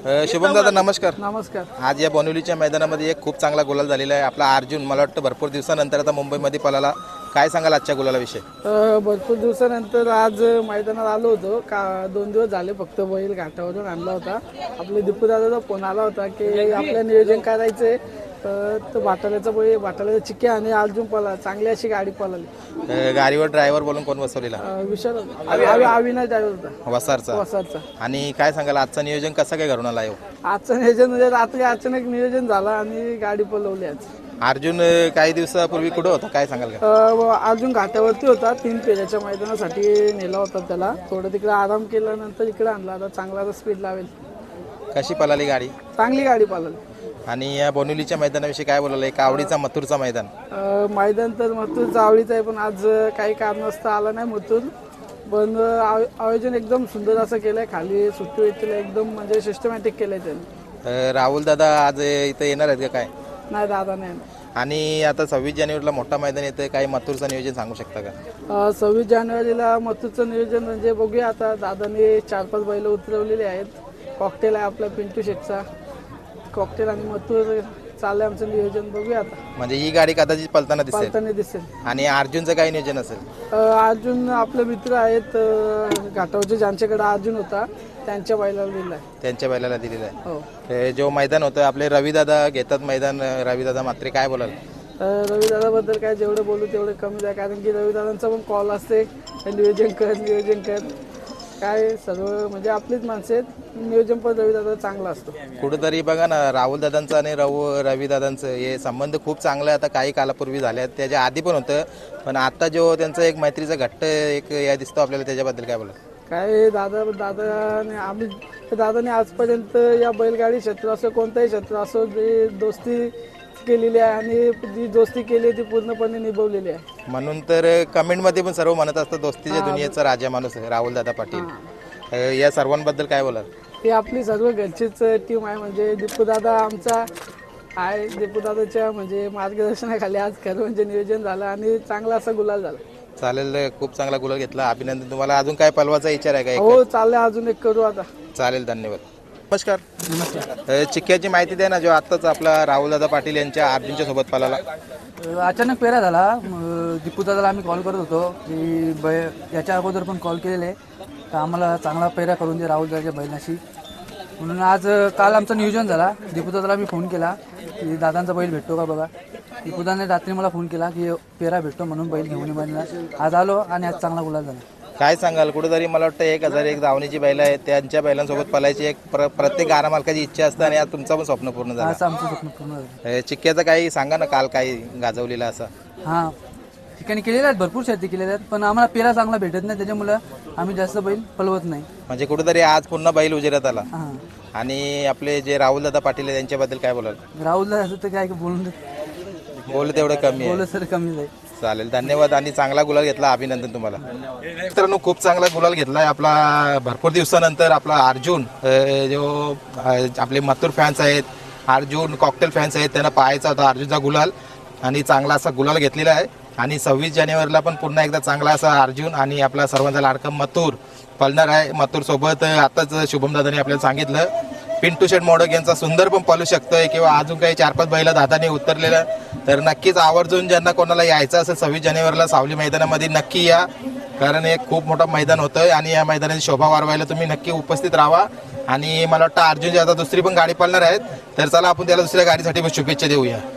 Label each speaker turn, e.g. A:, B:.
A: शुभम दादा नमस्कार.
B: नमस्कार.
A: आज या बोनिवलीच्या मैदानामध्ये एक खूप चांगला गुलाल झालेला आहे. आपला अर्जुन मला वाटतं भरपूर दिवसानंतर आता मुंबईमध्ये पळाला. काय सांगाल आजच्या गुलालाविषयी?
B: भरपूर दिवसानंतर आज मैदानात आलो होतो का 2 दिवस झाले फक्त बैल घाटावरून आणला होता. आपले दीपू दादाचा फोन आला होता की आपलं नियोजन करायचंय. तर बाटाल्याचा चिक्क्या आणि अर्जुन पळाला. चांगली अशी गाडी पळाली.
A: गाडीवर ड्रायव्हर बोलून कोण बसवलेला?
B: विशाल अविनाश ड्रायव्हर होता
A: वसारचा. आणि काय सांगाल आजचं नियोजन कसं काय घडून आला?
B: आजचं नियोजन म्हणजे रात्री अचानक नियोजन झालं आणि गाडी पळवली आज.
A: अर्जुन काही दिवसापूर्वी कुठं होता काय सांगाल का?
B: अर्जुन घाटावरती होता. 3 फेऱ्याच्या मैदानासाठी नेला होता त्याला. थोडं तिकडे आराम केल्यानंतर इकडे आणला. आता चांगला स्पीड लावेल.
A: कशी पळाली गाडी?
B: चांगली गाडी पळाली.
A: आणि या बोनिवलीच्या मैदानाविषयी काय बोलायला? एक आवडीचा मथुरचा मैदान.
B: मैदान तर मथुरचा आवडीचा आहे, पण आज काही कारणास्तव आला नाही मथुर. पण आयोजन एकदम सुंदर असं केलंय. खाली सुट्टी येतील एकदम म्हणजे सिस्टमॅटिक केलंय त्यांनी.
A: राहुल दादा आज इथं येणार आहेत का काय?
B: नाही दादा नाही.
A: आणि आता 26 जानेवारीला मोठा मैदान येतं. काही मथुरचं नियोजन सांगू शकता का?
B: 26 जानेवारीला मथुरचं नियोजन म्हणजे बघूया. आता दादाने 4-5 बैल उतरवलेले आहेत. कॉकटेल आहे आपला पिंटू शेटचा. कॉकटेल आणि मथुर चाललंय आमचं नियोजन. बघूया आता.
A: म्हणजे ही गाडी कदाचित पळताना
B: दिसेल.
A: आणि अर्जुनचं काही नियोजन असेल?
B: अर्जुन आपले मित्र आहेत घाटावरचे, ज्यांच्याकडे अर्जुन होता त्यांच्या बैलाला दिलेला आहे.
A: हो. जो मैदान होतं आपले रविदादा घेतात मैदान. रविदादा मात्र काय बोलाल?
B: रविदादाबद्दल काय जेवढं बोलू तेवढं कमीच आहे. कारण की रविदादांचा पण कॉल असते नियोजन कर काय सर्व म्हणजे आपलीच माणसं आहेत. नियोजन पण रविदादा चांगला असतो.
A: कुठेतरी बघा ना राहुल दादांचं आणि रविदादांचं हे संबंध खूप चांगले आता काही कालापूर्वी झाले आहेत. त्याच्या आधी पण होतं, पण आता जो त्यांचा एक मैत्रीचा घट्ट एक या दिसतो आपल्याला. त्याच्याबद्दल काय बोला?
B: काय दादाने आजपर्यंत या बैलगाडी क्षेत्र असो कोणताही क्षेत्र असो जे दोस्ती केलेली आहे आणि जी दोस्ती केली ती पूर्णपणे निभवलेली आहे.
A: म्हणून तर कमेंटमध्ये पण सर्व म्हणत असतात दोस्तीच्या दुनियेचा राजा माणूस राहुल दादा पाटील. या सर्वांबद्दल काय बोलाल?
B: ती आपली सर्व घरचीच टीम आहे. म्हणजे दीपू दादा आमचा आहे. दीपू दादाच्या म्हणजे मार्गदर्शनाखाली आज खरं म्हणजे नियोजन झालं आणि चांगला असा गुलाल झाला.
A: चालेल. खूप चांगला गुलाल घेतला. अभिनंदन तुम्हाला. अजून काय पलवाचा विचार आहे का?
B: हो चाललंय. अजून एक करू आता.
A: चालेल. धन्यवाद. नमस्कार. चिक्क्याची माहिती द्या ना. जो आत्ताच आपला राहुलदादा पाटील यांच्या अर्जुनच्या सोबत पळाला.
C: अचानक पेरा झाला. दीपू दादाला आम्ही कॉल करत होतो की याच्या अगोदर पण कॉल केलेले तर आम्हाला चांगला पेरा करून दे राहुल दादाच्या बैलाशी. म्हणून आज काल आमचं नियोजन झाला. दीपू दादाला मी फोन केला की दादांचा बैल भेटतो का बघा. दीपू दादाने रात्री मला फोन केला की पेरा भेटतो म्हणून बैल घेऊन बैलला आज आलो आणि आज चांगला गुलाल झाला.
A: काय सांगाल? कुठेतरी मला वाटतं 1001 धावणीची बैल आहेत. त्यांच्या बैलांसोबत पळायची एक प्रत्येक गाडा मालकाची इच्छा असते आणि आज तुमचं पण स्वप्न पूर्ण झालं.
C: आज आमचं स्वप्न पूर्ण झालं.
A: चिक्क्याचं काही सांगा ना. काल काही गाजवलेला असा?
C: हां ठिकाणी केलेल्या आहेत. भरपूर शर्ती केलेल्या आहेत, पण आम्हाला पेरा चांगला भेटत नाही. त्याच्यामुळं आम्ही जास्त बैल पळवत नाही.
A: म्हणजे कुठेतरी आज पुन्हा बैल उजेरात आला.
C: हां.
A: आणि आपले जे राहुलदादा पाटील आहे त्यांच्याबद्दल काय बोलाल?
C: राहुल दादा तर काय बोलून
A: तेवढं कमी आहे.
C: बोल सर कमी आहे.
A: चालेल. धन्यवाद. आणि चांगला गुलाल घेतला. अभिनंदन तुम्हाला. मित्रांनो खूप चांगला गुलाल घेतलाय आपला भरपूर दिवसानंतर आपला अर्जुन. जो आपले मथुर फॅन्स आहेत, अर्जुन कॉकटेल फॅन्स आहेत, त्यांना पाहायचा होता अर्जुनचा गुलाल आणि चांगला असा गुलाल घेतलेला आहे. आणि 26 जानेवारीला पण पुन्हा एकदा चांगला असा अर्जुन आणि आपला सर्वांचा लाडका मथुर पळणार आहे. मथुर सोबत आताच शुभम दादाने आपल्याला सांगितलं पिंटू शेट मोडक यांचा सुंदर पण पळू शकतोय किंवा अजून काही 4-5 बैला दादाने उतरलेलं. तर नक्कीच आवर्जून ज्यांना कोणाला यायचं असेल 26 जानेवारीला सावली मैदानामध्ये नक्की या. कारण एक खूप मोठं मैदान होतंय आणि या मैदानाची शोभा वाढवायला तुम्ही नक्की उपस्थित राहा. आणि मला वाटतं अर्जुनची आता दुसरी पण गाडी पळणार आहेत. तर चला आपण त्याला दुसऱ्या गाडीसाठी शुभेच्छा देऊया.